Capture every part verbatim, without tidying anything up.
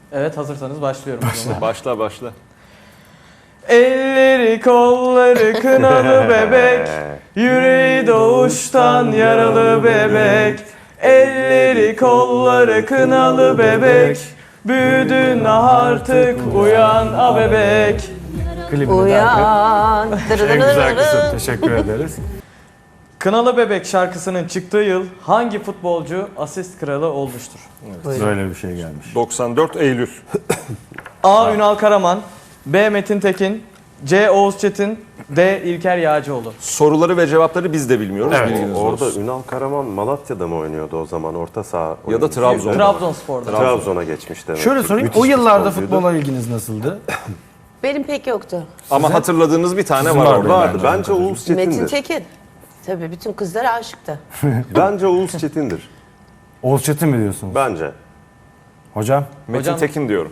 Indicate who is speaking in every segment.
Speaker 1: Evet, hazırsanız başlıyorum o zaman.
Speaker 2: Başla başla.
Speaker 1: Elleri kolları kınalı bebek, yüreği doğuştan yaralı bebek. Elleri kolları kınalı bebek, büyüdün artık uyan a bebek.
Speaker 3: Klibini
Speaker 4: Uyan.
Speaker 3: derken en güzel kısım. Teşekkür ederiz.
Speaker 1: Kınalı Bebek şarkısının çıktığı yıl hangi futbolcu asist kralı olmuştur?
Speaker 3: Böyle bir şey gelmiş.
Speaker 2: doksan dört Eylül.
Speaker 1: A. Ünal Karaman, B. Metin Tekin, C. Oğuz Çetin, D. İlker Yağcıoğlu.
Speaker 2: Soruları ve cevapları biz de bilmiyoruz.
Speaker 3: Evet,
Speaker 2: bilginiz
Speaker 5: Orada
Speaker 2: olsun.
Speaker 5: Ünal Karaman Malatya'da mı oynuyordu o zaman? Orta saha
Speaker 2: Ya da
Speaker 5: oyuncusu.
Speaker 2: Trabzon'da.
Speaker 1: Trabzonspor'da.
Speaker 5: Trabzon'a geçmiş demek.
Speaker 3: Şöyle sorayım,
Speaker 5: Müthiş
Speaker 3: o yıllarda
Speaker 5: futbolcuydu.
Speaker 3: futbola ilginiz nasıldı?
Speaker 4: Benim pek yoktu.
Speaker 2: Ama hatırladığınız bir tane
Speaker 3: Sizin
Speaker 2: var
Speaker 3: vardı.
Speaker 2: orada.
Speaker 5: Vardı. Bence Oğuz
Speaker 4: Metin
Speaker 5: Çetin'dir.
Speaker 4: Tekin. Tabii bütün kızlar aşıktı.
Speaker 5: Bence Oğuz Çetin'dir.
Speaker 3: Oğuz Çetin mi diyorsunuz?
Speaker 5: Bence.
Speaker 3: Hocam?
Speaker 2: Metin
Speaker 1: Hocam-
Speaker 2: Tekin diyorum.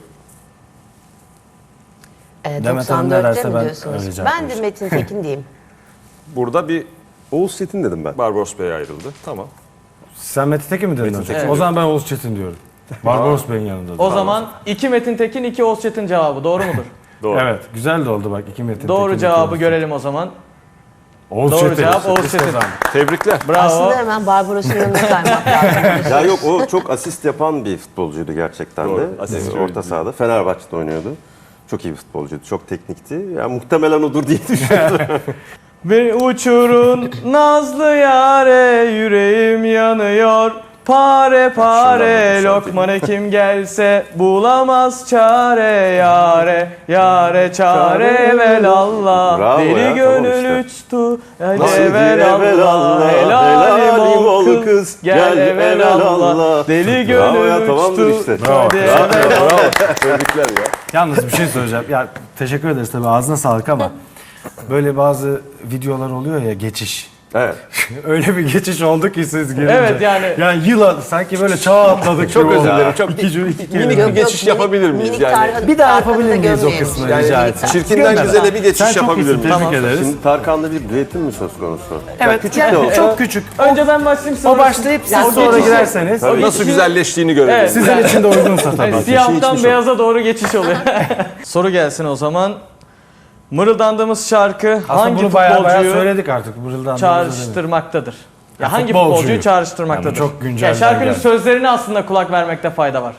Speaker 4: Ee,
Speaker 3: Demet Hanım ne
Speaker 4: doksan dörtte
Speaker 3: derse
Speaker 4: mi
Speaker 3: ben
Speaker 4: diyorsunuz?
Speaker 3: öyle cevap
Speaker 4: Ben de
Speaker 3: vereceğim.
Speaker 4: Metin Tekin diyeyim.
Speaker 2: Burada bir
Speaker 5: Oğuz Çetin dedim ben.
Speaker 2: Barbaros Bey ayrıldı. Tamam.
Speaker 3: Sen Metin Tekin mi dedin hocam?
Speaker 1: Tekin.
Speaker 3: O zaman ben Oğuz Çetin diyorum. Barbaros Bey'in yanında.
Speaker 1: O zaman iki Metin Tekin, iki Oğuz Çetin cevabı doğru mudur?
Speaker 2: Doğru.
Speaker 3: Evet, güzel de oldu bak. iki Metin
Speaker 1: Doğru
Speaker 3: Tekin,
Speaker 1: cevabı
Speaker 3: iki Oğuz
Speaker 1: görelim o zaman.
Speaker 3: Çetin. Oğuz
Speaker 1: Doğru
Speaker 3: Çetin.
Speaker 1: cevap Oğuz
Speaker 3: Biz
Speaker 1: Çetin.
Speaker 3: kazandık.
Speaker 2: Tebrikler.
Speaker 1: Bravo.
Speaker 4: Aslında hemen Barbaros'un yanına kaymak lazım.
Speaker 5: Ya yok, o çok asist yapan bir futbolcuydu gerçekten
Speaker 2: Doğru,
Speaker 5: de.
Speaker 2: asistçi
Speaker 5: Ee, Orta sahada. Fenerbahçe'de oynuyordu. Çok iyi bir futbolcuydu. Çok teknikti. Ya muhtemelen odur diye düşünüyorum.
Speaker 1: Bir uçurun nazlı yare, yüreğim yanıyor. Pare pare
Speaker 5: Şundan
Speaker 1: lokman hekim gelse bulamaz çare yare yare çare velallah.
Speaker 5: Bravo
Speaker 1: Deli
Speaker 5: ya,
Speaker 1: gönül
Speaker 5: tamam işte.
Speaker 1: uçtu
Speaker 5: Nasıl
Speaker 1: hele velallah. Helalim ol kız gel velallah. Deli
Speaker 5: Bravo ya,
Speaker 1: gönül
Speaker 5: tamamdır
Speaker 1: uçtu.
Speaker 5: işte.
Speaker 3: Bravo.
Speaker 1: hadi
Speaker 2: Bravo.
Speaker 1: velallah.
Speaker 2: Bravo. Tebrikler ya.
Speaker 3: Yalnız bir şey söyleyeceğim. Ya teşekkür ederiz tabii, ağzına sağlık ama böyle bazı videolar oluyor ya, geçiş.
Speaker 5: Evet.
Speaker 3: Öyle bir geçiş oldu ki siz gelince.
Speaker 1: Evet, yani-
Speaker 3: Yani yıla sanki böyle çağ atladık.
Speaker 2: Çok
Speaker 3: gibi
Speaker 2: özür
Speaker 3: oldu.
Speaker 2: dilerim. Çok
Speaker 3: İki cümle, iki kelime.
Speaker 2: minik
Speaker 4: Yok,
Speaker 2: bir
Speaker 4: yok,
Speaker 2: geçiş
Speaker 4: minik-
Speaker 2: yapabilir miyiz
Speaker 4: minik
Speaker 2: yani?
Speaker 4: Tarhan'ı-
Speaker 3: Bir daha
Speaker 4: Tarhan'ı
Speaker 3: yapabilir
Speaker 4: da
Speaker 3: miyiz o
Speaker 4: gömmeyelim.
Speaker 3: kısmı
Speaker 4: Yani
Speaker 3: rica
Speaker 4: minik
Speaker 3: etsem?
Speaker 2: Çirkinden
Speaker 3: Gönder
Speaker 2: güzele
Speaker 3: abi.
Speaker 2: bir geçiş
Speaker 3: Sen çok
Speaker 2: yapabilir
Speaker 3: iyisin,
Speaker 2: miyiz?
Speaker 3: tebrik
Speaker 1: Tamam.
Speaker 3: ederiz.
Speaker 5: Şimdi Tarkan'da bir düetin mi söz konusu?
Speaker 3: Evet,
Speaker 5: küçük
Speaker 3: yani
Speaker 5: de olsa-
Speaker 3: çok küçük.
Speaker 1: Önce ben başlayayım sonra.
Speaker 3: O başlayıp siz
Speaker 1: Yani o
Speaker 3: sonra
Speaker 1: geçişi-
Speaker 3: girerseniz
Speaker 1: O
Speaker 2: Nasıl
Speaker 1: geçişi-
Speaker 2: güzelleştiğini görelim.
Speaker 1: Evet.
Speaker 3: sizin için de uygunsa tabii.
Speaker 1: Yani siyahtan
Speaker 5: geçmiş
Speaker 1: beyaza doğru geçiş oluyor. Soru gelsin o zaman. Mırıldandığımız şarkı
Speaker 3: Aslında
Speaker 1: hangi
Speaker 3: bunu bayağı bayağı
Speaker 1: futbolcuyu
Speaker 3: söyledik artık. Mırıldan
Speaker 1: çağrıştırmaktadır? Ya hangi
Speaker 3: futbolcuyu.
Speaker 1: futbolcuyu çağrıştırmaktadır?
Speaker 3: Yani çok güncelden
Speaker 1: Ya şarkının
Speaker 3: geldi.
Speaker 1: sözlerine aslında kulak vermekte fayda var.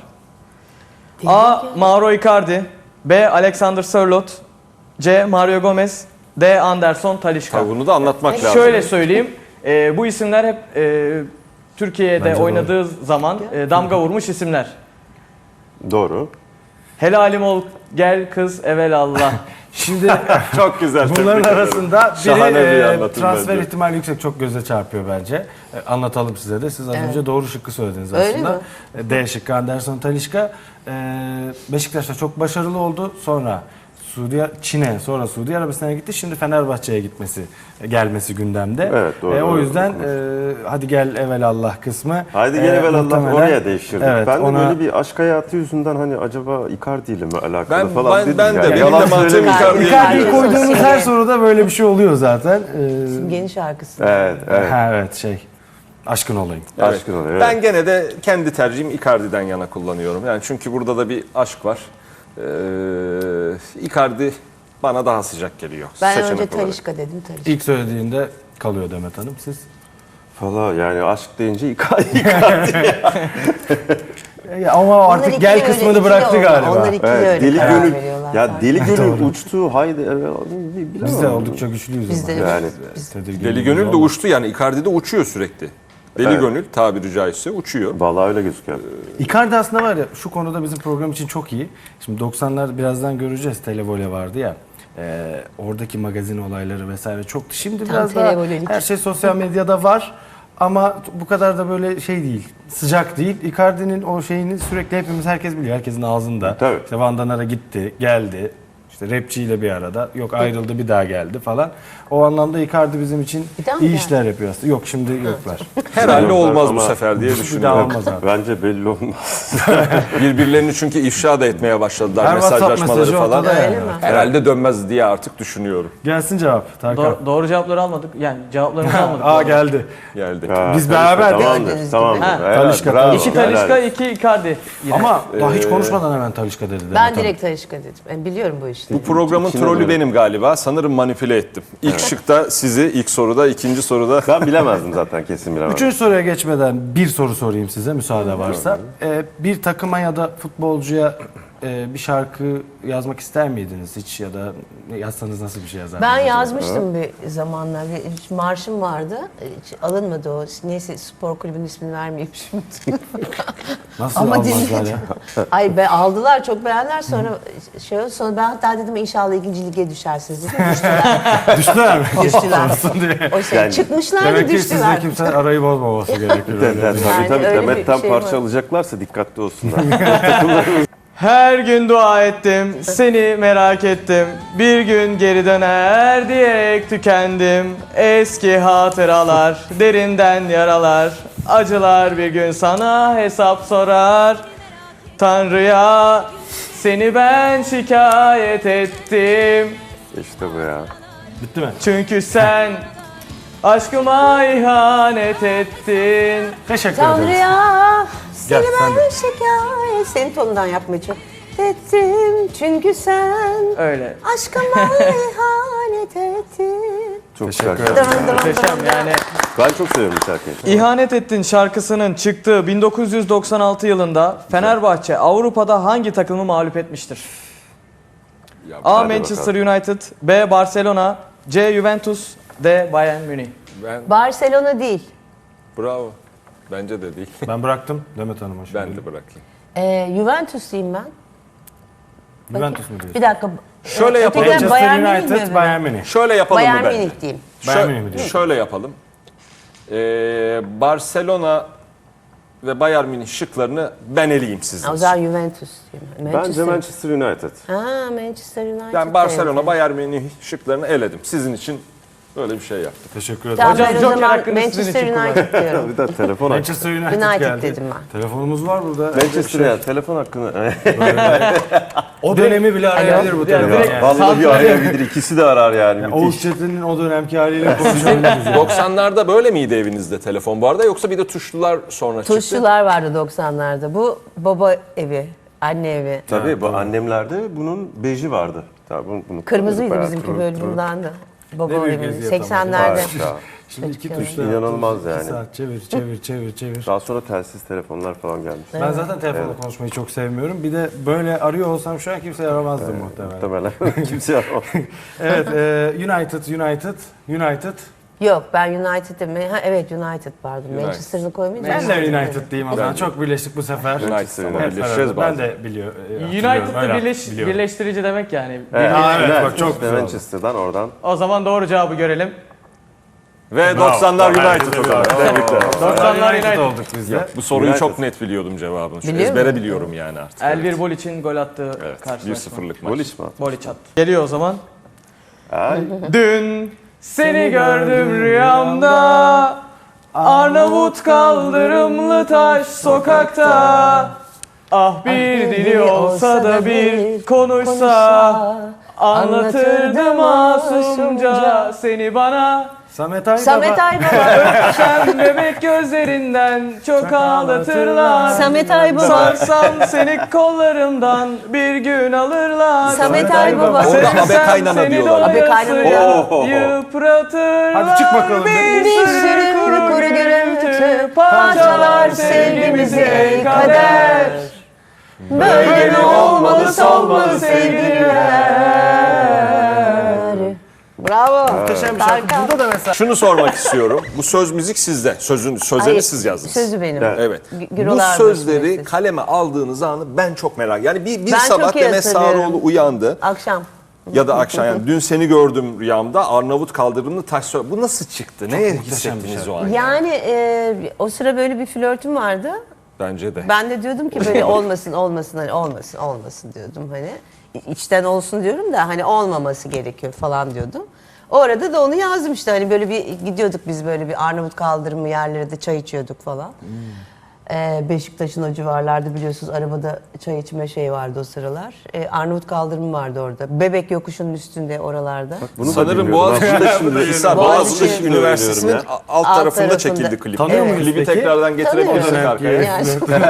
Speaker 1: A. Mauro Icardi, B. Alexander Sörloth, C. Mario Gomez, D. Anderson Talisca.
Speaker 2: Tabii bunu da anlatmak lazım.
Speaker 1: Şöyle söyleyeyim, e, bu isimler hep e, Türkiye'de
Speaker 3: Bence
Speaker 1: oynadığı zaman e, damga vurmuş isimler.
Speaker 5: Doğru.
Speaker 1: Helalim ol gel kız evelallah.
Speaker 3: Şimdi
Speaker 2: Çok güzel.
Speaker 3: bunların
Speaker 2: tebrik ederim.
Speaker 3: arasında biri
Speaker 2: Şahane bir
Speaker 3: e,
Speaker 2: anlatım
Speaker 3: transfer
Speaker 2: bence.
Speaker 3: ihtimali yüksek, çok göze çarpıyor bence. E, anlatalım size de. Siz az
Speaker 4: Evet.
Speaker 3: önce doğru şıkkı söylediniz
Speaker 4: Öyle
Speaker 3: aslında.
Speaker 4: mi?
Speaker 3: E, D şıkkı Anderson Talisca. E, Beşiktaş'ta çok başarılı oldu. Sonra Suudi Çin'e, sonra Suudi Arabistan'a gitti. Şimdi Fenerbahçe'ye gitmesi, e, gelmesi gündemde.
Speaker 5: Evet, doğru,
Speaker 3: E, o
Speaker 5: doğru,
Speaker 3: yüzden
Speaker 5: doğru.
Speaker 3: e, hadi gel evelallah kısmı.
Speaker 5: Haydi
Speaker 3: e,
Speaker 5: gel evvel Allah
Speaker 3: muhtemelen-
Speaker 5: oraya değiştirdik.
Speaker 3: Evet,
Speaker 5: ben de
Speaker 3: ona-
Speaker 5: böyle bir aşk hayatı yüzünden hani acaba Icardi ile mi alakalı
Speaker 2: Ben-
Speaker 5: falan
Speaker 2: ben-
Speaker 5: dedim
Speaker 2: ben de,
Speaker 5: yani.
Speaker 2: benim
Speaker 5: Yalan
Speaker 2: de mantığım
Speaker 5: söylemeyeceğim.
Speaker 2: Icardi'ye
Speaker 3: Icardi'yi
Speaker 2: gidiyor.
Speaker 3: koyduğumuz her soruda böyle bir şey oluyor zaten. E,
Speaker 4: Simge'nin şarkısı.
Speaker 5: Evet, evet.
Speaker 3: Ha, evet şey. Aşkın olayım.
Speaker 2: Evet.
Speaker 5: Aşkın oluyor.
Speaker 2: Ben gene de kendi tercihim Icardi'den yana kullanıyorum. Yani çünkü burada da bir aşk var. Ee, Icardi bana daha sıcak geliyor.
Speaker 4: Ben
Speaker 2: seçenek
Speaker 4: önce
Speaker 2: olarak.
Speaker 4: Talişka dedim Talişka.
Speaker 3: İlk söylediğinde kalıyor Demet Hanım. Siz?
Speaker 5: Valla yani aşk deyince Icardi. Icardi.
Speaker 3: E, ama
Speaker 4: Onlar
Speaker 3: artık
Speaker 4: ikili
Speaker 3: gel
Speaker 4: öyle,
Speaker 3: kısmını
Speaker 4: ikili
Speaker 3: bıraktı
Speaker 4: oldu.
Speaker 3: galiba.
Speaker 4: Onlar ikili
Speaker 5: Evet,
Speaker 4: öyle
Speaker 5: deli
Speaker 4: karar
Speaker 5: gönül.
Speaker 4: veriyorlar.
Speaker 5: Ya
Speaker 4: falan.
Speaker 5: deli gönül
Speaker 3: Doğru.
Speaker 5: uçtu. Haydi evvel bilemem.
Speaker 3: Biz de oldukça güçlüyüz
Speaker 4: Biz
Speaker 3: ama.
Speaker 4: de
Speaker 5: Yani
Speaker 3: Tedirgin
Speaker 2: Deli
Speaker 3: değiliz
Speaker 2: Gönül de
Speaker 3: ama.
Speaker 2: uçtu yani Icardi de uçuyor sürekli. Deli
Speaker 5: Evet.
Speaker 2: Gönül tabiri caizse uçuyor.
Speaker 5: vallahi öyle gözüküyor.
Speaker 3: Icardi aslında var ya, şu konuda bizim program için çok iyi. Şimdi doksanlar birazdan göreceğiz. Televole vardı ya. E, oradaki magazin olayları vesaire çoktu. Şimdi
Speaker 4: Tam
Speaker 3: biraz daha
Speaker 4: televolelik.
Speaker 3: her şey sosyal medyada var. Ama bu kadar da böyle şey değil, sıcak değil. Icardi'nin o şeyini sürekli hepimiz, herkes biliyor, herkesin ağzında.
Speaker 5: Tabii.
Speaker 3: İşte Van Danara gitti, geldi. İşte rapçiyle bir arada. Yok ayrıldı bir daha geldi falan. O anlamda Icardi bizim için
Speaker 4: Bir daha mı
Speaker 3: iyi
Speaker 4: geldi?
Speaker 3: işler yapıyor aslında. Yok şimdi yoklar.
Speaker 2: Herhalde olmaz bu
Speaker 5: Ama
Speaker 2: sefer diye
Speaker 3: Bir daha
Speaker 2: düşünüyorum.
Speaker 3: olmaz abi.
Speaker 5: Bence belli olmaz.
Speaker 2: Birbirlerini çünkü ifşa da etmeye başladılar
Speaker 3: Her WhatsApp
Speaker 2: mesajlaşmaları
Speaker 3: mesajı
Speaker 2: falan.
Speaker 3: ortada yani.
Speaker 4: Öyle mi?
Speaker 2: Herhalde dönmez diye artık düşünüyorum.
Speaker 3: Gelsin cevap Tarkan.
Speaker 1: Do- doğru cevapları almadık. Yani cevaplarımızı almadık.
Speaker 3: Aa geldi.
Speaker 2: Geldi.
Speaker 5: Ha,
Speaker 3: Biz
Speaker 5: Talişka,
Speaker 3: beraberdik.
Speaker 5: Tamamdır,
Speaker 4: Gördüğünüz
Speaker 5: tamamdır.
Speaker 4: gibi.
Speaker 1: Ha.
Speaker 5: Helal,
Speaker 3: Talişka,
Speaker 5: bravo,
Speaker 1: İki
Speaker 5: helal.
Speaker 1: Talisca, iki Icardi. Yine.
Speaker 3: Ama daha
Speaker 2: Ee,
Speaker 3: hiç konuşmadan hemen Talişka dedi. Demet
Speaker 4: Ben
Speaker 3: Hanım.
Speaker 4: direkt Talişka dedim. Ben biliyorum bu işte.
Speaker 2: Bu programın
Speaker 5: İkine
Speaker 2: trolü
Speaker 5: göre.
Speaker 2: benim galiba. Sanırım manipüle ettim. İlk şıkta sizi, ilk soruda, ikinci soruda.
Speaker 5: Ben bilemezdim zaten, kesin bilemezdim.
Speaker 3: Üçüncü soruya geçmeden bir soru sorayım size müsaade varsa. Ee, bir takıma ya da futbolcuya e, bir şarkı yazmak ister miydiniz hiç ya da yazsanız nasıl bir şey yazardınız?
Speaker 4: Ben
Speaker 3: acaba?
Speaker 4: yazmıştım bir zamanlar. Bir marşım vardı. Hiç alınmadı o. Neyse spor kulübünün ismini vermeyeyim şimdi.
Speaker 3: Nasıl
Speaker 4: Ama
Speaker 3: almazlar
Speaker 4: dinle-
Speaker 3: ya?
Speaker 4: Ay be aldılar çok beğendiler sonra şey oldu. Sonra ben hatta dedim inşallah ikinci lige düşersiniz dedim. Düştüler.
Speaker 3: Düştüler mi?
Speaker 4: Düştüler.
Speaker 3: Olsun diye.
Speaker 4: O şey
Speaker 5: Yani
Speaker 4: çıkmışlar da
Speaker 3: Demek ki sizde
Speaker 4: düştüler.
Speaker 3: kimse arayı bozmaması gerekiyor.
Speaker 5: De-
Speaker 3: öyle.
Speaker 5: de- tabii
Speaker 4: Yani
Speaker 5: tabii
Speaker 4: öyle bir
Speaker 5: Demet'ten
Speaker 4: şey
Speaker 5: parça
Speaker 4: var.
Speaker 5: alacaklarsa dikkatli olsunlar.
Speaker 1: Her gün dua ettim, seni merak ettim. Bir gün geri döner diyerek tükendim. Eski hatıralar, derinden yaralar. Acılar bir gün sana hesap sorar. Tanrı'ya seni ben şikayet ettim.
Speaker 5: İşte bu ya.
Speaker 3: Bitti mi?
Speaker 1: Çünkü sen aşkıma ihanet ettin.
Speaker 3: Teşekkür ederiz.
Speaker 4: Tanrı'ya seni
Speaker 3: Gel, sen de.
Speaker 4: ben şikayet. Senin tonundan yapmaya çok ettim. Çünkü sen
Speaker 1: Öyle.
Speaker 4: aşkıma ihanet ettin.
Speaker 5: Çok
Speaker 3: Teşekkür
Speaker 5: güzel.
Speaker 3: ederim.
Speaker 4: Dın dın
Speaker 1: Muhteşem
Speaker 4: dın.
Speaker 1: yani.
Speaker 5: Ben çok seviyorum bu şarkıyı.
Speaker 1: İhanet Ettin şarkısının çıktığı bin dokuz yüz doksan altı yılında Fenerbahçe Avrupa'da hangi takımı mağlup etmiştir? A.
Speaker 5: Hadi
Speaker 1: Manchester United, B. Barcelona, C. Juventus, D. Bayern Münih.
Speaker 2: Ben,
Speaker 4: Barcelona değil.
Speaker 2: bravo. Bence de değil.
Speaker 3: Ben bıraktım Demet Hanım'a şimdi.
Speaker 2: Ben de bırakayım.
Speaker 4: Ee, Juventus diyeyim ben.
Speaker 3: Juventus mu diyorsun?
Speaker 4: Bir dakika.
Speaker 2: Şöyle
Speaker 4: Ee,
Speaker 2: yapalım.
Speaker 4: ötekiler
Speaker 3: Manchester
Speaker 4: Bayern Münih mi
Speaker 3: United,
Speaker 4: öbürü?
Speaker 3: Bayern Münih.
Speaker 2: Şöyle yapalım
Speaker 4: Bayern
Speaker 2: mı bence?
Speaker 4: Münih diyeyim.
Speaker 3: Bayern
Speaker 2: Şö-
Speaker 3: Münih mi diyorsun?
Speaker 2: Şöyle yapalım. Ee, Barcelona ve Bayern Münih şıklarını ben eleyeyim sizin
Speaker 4: O
Speaker 2: için.
Speaker 4: zaman Juventus diyeyim.
Speaker 5: Bence Manchester United.
Speaker 4: Ha Manchester United.
Speaker 2: Ben Barcelona,
Speaker 4: evet.
Speaker 2: Bayern Münih şıklarını eledim. Sizin için böyle bir şey yaptım.
Speaker 3: Teşekkür ederim.
Speaker 4: Tamam
Speaker 1: Hocam,
Speaker 4: ben o
Speaker 1: Joker
Speaker 4: zaman
Speaker 1: hakkını sizin
Speaker 4: Manchester
Speaker 1: için
Speaker 4: United diyorum.
Speaker 5: Bir de telefon hakkı.
Speaker 3: Manchester United,
Speaker 4: United
Speaker 3: geldi.
Speaker 4: dedim ben.
Speaker 3: Telefonumuz var burada.
Speaker 5: Manchester ya telefon hakkını.
Speaker 3: O dönemi bile arayabilir bu
Speaker 1: Yani
Speaker 3: telefon.
Speaker 1: direkt-
Speaker 3: Yani.
Speaker 5: Vallahi arayabilir. İkisi de arar yani.
Speaker 3: Oğuz
Speaker 5: Müthiş.
Speaker 3: Çetin'in o dönemki haliyle konuşabiliriz. yani.
Speaker 2: doksanlarda böyle miydi evinizde telefon bu arada yoksa bir de tuşlular sonra çıktı?
Speaker 4: Tuşçular vardı doksanlarda. Bu baba evi, anne evi.
Speaker 5: Tabii bu annemlerde bunun beji vardı. Tabii bunu, bunu
Speaker 4: Kırmızıydı
Speaker 5: bayağı
Speaker 4: bizimki
Speaker 5: turuncu,
Speaker 4: böyle
Speaker 5: turuncu.
Speaker 4: bundandı. Baba
Speaker 3: Ne büyük
Speaker 4: evi.
Speaker 3: eziyet ama.
Speaker 4: seksenlerde.
Speaker 5: Harika.
Speaker 3: Şimdi iki
Speaker 4: Çok
Speaker 3: tuşla
Speaker 5: İnanılmaz
Speaker 3: iki
Speaker 5: yani.
Speaker 3: saat çevir çevir çevir çevir.
Speaker 5: Daha sonra telsiz telefonlar falan gelmiş.
Speaker 3: Ben zaten telefonla konuşmayı çok sevmiyorum. Bir de böyle arıyor olsam şu an kimse aramazdı muhtemelen.
Speaker 5: Muhtemelen. Kimse aramaz.
Speaker 3: Evet, e, United, United, United.
Speaker 4: Yok ben United'ım. Ha, evet United pardon.
Speaker 2: United.
Speaker 4: Manchester'ını koymayınca.
Speaker 3: Ben de
Speaker 4: United
Speaker 3: United
Speaker 4: dedim.
Speaker 3: diyeyim o zaman. Çok birleştik bu sefer.
Speaker 2: United ama
Speaker 3: Evet,
Speaker 2: birleşeceğiz
Speaker 3: evet, ben
Speaker 2: bazen.
Speaker 3: de biliyor, e, hatırlıyorum,
Speaker 1: United'da
Speaker 3: öyle
Speaker 1: birleş,
Speaker 3: biliyorum.
Speaker 1: birleştirici demek yani.
Speaker 5: Evet,
Speaker 3: Aa, evet,
Speaker 5: evet,
Speaker 3: bak çok
Speaker 5: işte
Speaker 3: güzel oldu.
Speaker 5: Manchester'dan oradan.
Speaker 1: O zaman doğru cevabı görelim.
Speaker 2: Ve doksanlar
Speaker 3: Bravo.
Speaker 2: United hocam. Tebrikler.
Speaker 1: doksanlar
Speaker 3: United
Speaker 1: United.
Speaker 3: olduk biz de.
Speaker 2: Bu soruyu
Speaker 5: United.
Speaker 2: çok net biliyordum cevabını. Şu
Speaker 4: Biliyor
Speaker 2: ezbere
Speaker 4: musun?
Speaker 2: biliyorum yani artık.
Speaker 1: Elvir Bol için gol attığı
Speaker 2: Evet, bir
Speaker 1: karşılaşma.
Speaker 2: sıfırlık maç.
Speaker 5: Gol iş mi?
Speaker 1: Boliç attı. Geliyor o zaman.
Speaker 5: Ay.
Speaker 1: Dün seni gördüm rüyamda, Arnavut kaldırımlı taş sokakta. Ah bir dili olsa da bir konuşsa, anlatırdım masumca seni bana.
Speaker 3: Samet Aybaba.
Speaker 4: Samet Aybaba.
Speaker 1: Öpsem bebek gözlerinden çok ağlatırlar.
Speaker 4: Samet Aybaba.
Speaker 1: Sarsam seni kollarımdan bir gün alırlar.
Speaker 4: Samet Aybaba.
Speaker 2: Orada
Speaker 1: Sevsem
Speaker 2: abe kaynana
Speaker 1: seni
Speaker 2: diyorlar.
Speaker 4: Abe kaynana
Speaker 1: doyasıya
Speaker 5: diyorlar.
Speaker 1: yıpratırlar.
Speaker 3: Hadi çık bakalım.
Speaker 1: Bir,
Speaker 4: Bir
Speaker 1: sürü kuru,
Speaker 4: kuru
Speaker 1: gürültü
Speaker 4: parçalar
Speaker 1: parçalar sevgimizi ey kader. Böyle mi olmalı solmalı sevgililer?
Speaker 4: Bravo.
Speaker 3: Muhteşem bir şarkı.
Speaker 4: Tarkan.
Speaker 3: Burada da mesela
Speaker 2: Şunu sormak istiyorum. Bu söz müzik sizde. Sözün sözleri
Speaker 4: Hayır,
Speaker 2: siz yazdınız.
Speaker 4: Sözü benim.
Speaker 5: Evet.
Speaker 2: Evet.
Speaker 4: Gü-
Speaker 2: Bu
Speaker 4: Gürolar
Speaker 2: sözleri
Speaker 4: Bölgesi.
Speaker 2: kaleme aldığınız anı ben çok merak. Yani bir, bir
Speaker 4: Ben
Speaker 2: sabah
Speaker 4: çok iyi
Speaker 2: Demet
Speaker 4: hatırlıyorum.
Speaker 2: Sağroğlu uyandı
Speaker 4: Akşam.
Speaker 2: ya da akşam yani dün seni gördüm rüyamda Arnavut kaldırımlı taş sö- Bu nasıl çıktı? Neye
Speaker 3: muhteşem bir
Speaker 2: hissettiniz
Speaker 3: şey.
Speaker 2: o an?
Speaker 4: Yani e, o sıra böyle bir flörtüm vardı.
Speaker 2: Bence de.
Speaker 4: Ben de diyordum ki böyle olmasın olmasın hani olmasın olmasın diyordum hani. İ- içten olsun diyorum da hani olmaması gerekiyor falan diyordum. O arada da onu yazdım işte hani böyle bir gidiyorduk biz böyle bir Arnavut kaldırımı yerlere de çay içiyorduk falan. Ee, Beşiktaş'ın o civarlarda biliyorsunuz arabada çay içme şey vardı o sıralar. Ee, Arnavut kaldırımı vardı orada. Bebek yokuşunun üstünde oralarda.
Speaker 5: Bunu da
Speaker 2: Sanırım
Speaker 5: bilmiyordum.
Speaker 2: Boğaziçi,
Speaker 5: Aslında şimdi
Speaker 2: İsa,
Speaker 4: Boğaziçi
Speaker 2: Boğaziçi Üniversitesi'nin
Speaker 5: oynuyorum
Speaker 2: a- alt,
Speaker 4: Alt
Speaker 2: tarafında,
Speaker 4: tarafında.
Speaker 2: çekildi klip.
Speaker 3: Tanıyor
Speaker 2: Evet.
Speaker 3: muyuz
Speaker 2: Klibi
Speaker 3: peki?
Speaker 2: tekrardan getirebilirsek
Speaker 4: Tanıyorum.
Speaker 2: arkaya.
Speaker 4: Yani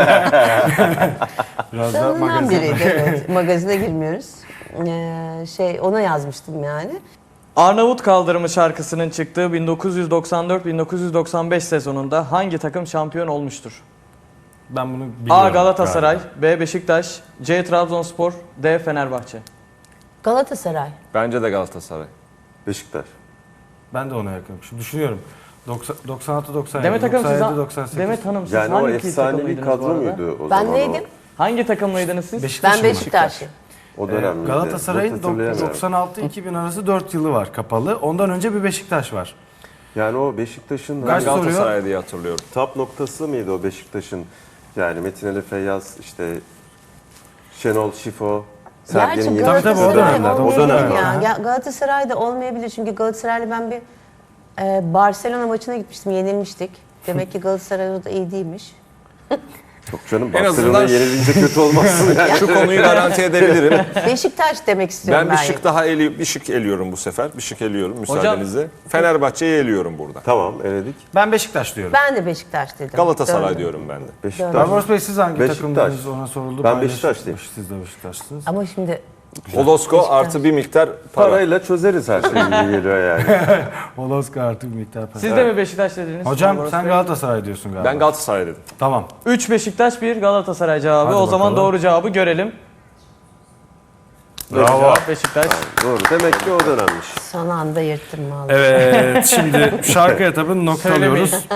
Speaker 3: Biraz da
Speaker 4: tanınan
Speaker 3: magazin.
Speaker 4: biriydi evet. Magazine girmiyoruz. Ee, şey ona yazmıştım yani.
Speaker 1: Arnavut Kaldırımı şarkısının çıktığı bin dokuz yüz doksan dört bin dokuz yüz doksan beş sezonunda hangi takım şampiyon olmuştur?
Speaker 3: Ben bunu biliyorum.
Speaker 1: A. Galatasaray,
Speaker 3: galiba.
Speaker 1: B. Beşiktaş, C. Trabzonspor, D. Fenerbahçe.
Speaker 4: Galatasaray.
Speaker 2: Bence de Galatasaray.
Speaker 5: Beşiktaş.
Speaker 3: Ben de ona yakınım. Şimdi düşünüyorum. doksan, doksan altı doksan yedi,
Speaker 1: Demet Hanım siz,
Speaker 3: doksan yedi doksan sekiz.
Speaker 1: Demet Hanım siz
Speaker 5: Yani o
Speaker 1: hangi
Speaker 5: efsanevi
Speaker 1: takımlıydınız bu
Speaker 5: kadro
Speaker 1: arada?
Speaker 5: muydu o
Speaker 4: Ben
Speaker 5: zaman?
Speaker 4: neydim?
Speaker 1: Hangi takımlıydınız siz?
Speaker 3: Beşiktaş
Speaker 4: Ben
Speaker 3: mı?
Speaker 4: Beşiktaşlıyım.
Speaker 5: O, o
Speaker 3: Ee,
Speaker 5: dönem miydi?
Speaker 3: Galatasaray'ın
Speaker 5: Çok hatırlayamıyorum.
Speaker 3: doksan altı iki bin arası dört yılı var kapalı. Ondan önce bir Beşiktaş var.
Speaker 5: Yani o Beşiktaş'ın
Speaker 2: Ben
Speaker 3: Kaç soruyor?
Speaker 2: Galatasaray diye hatırlıyorum.
Speaker 5: tap noktası mıydı o Beşiktaş'ın? Yani Metin Ali Feyyaz, işte Şenol Şifo, Sergen
Speaker 4: Gerçi
Speaker 5: Yılmaz.
Speaker 3: Tabii, tabii, o
Speaker 4: Galatasaray
Speaker 3: dönemler, o
Speaker 4: olmayabilir
Speaker 5: dönemler.
Speaker 4: ya. Ga- Galatasaray da olmayabilir çünkü Galatasaray'la ben bir e, Barcelona maçına gitmiştim, yenilmiştik. Demek ki Galatasaray o da iyi değilmiş.
Speaker 5: Çok canım,
Speaker 2: En
Speaker 5: Barcelona'ya
Speaker 2: azından-
Speaker 5: yenilince kötü olmazsın yani.
Speaker 2: Şu konuyu garanti edebilirim.
Speaker 4: Beşiktaş demek istiyorum
Speaker 2: Ben
Speaker 4: ben.
Speaker 2: bir şık daha eli, bir şık eliyorum bu sefer. Bir şık eliyorum müsaadenizle. Fenerbahçe'yi eliyorum burada.
Speaker 5: Tamam, eledik.
Speaker 3: Ben Beşiktaş diyorum.
Speaker 4: Ben de Beşiktaş dedim.
Speaker 2: Galatasaray
Speaker 4: Döndüm.
Speaker 2: diyorum ben de.
Speaker 5: Beşiktaş.
Speaker 3: Barbaros Bey siz hangi
Speaker 5: Beşiktaş.
Speaker 3: takımdınız ona soruldu.
Speaker 5: Ben
Speaker 3: Paylaşın.
Speaker 5: Beşiktaşlıyım.
Speaker 3: Siz de Beşiktaşlısınız.
Speaker 4: Ama şimdi
Speaker 2: Holosko
Speaker 4: Beşiktaş.
Speaker 2: artı bir miktar para.
Speaker 5: Parayla çözeriz her şeyi gibi geliyor yani.
Speaker 3: Holoska artık bir miktar para.
Speaker 1: Siz de mi Beşiktaş dediniz?
Speaker 3: Hocam
Speaker 1: Barbaros
Speaker 3: sen
Speaker 1: Bey?
Speaker 3: Galatasaray diyorsun galiba.
Speaker 2: Ben Galatasaray dedim.
Speaker 3: Tamam.
Speaker 1: üç Beşiktaş, bir Galatasaray cevabı.
Speaker 3: Hadi
Speaker 1: o zaman
Speaker 3: bakalım.
Speaker 1: doğru cevabı görelim. Doğru
Speaker 3: Bravo.
Speaker 1: cevap Beşiktaş.
Speaker 5: Doğru. Demek ki o dönemmiş.
Speaker 4: son anda yırttım vallahi.
Speaker 3: Evet şimdi şarkı etabını noktalıyoruz.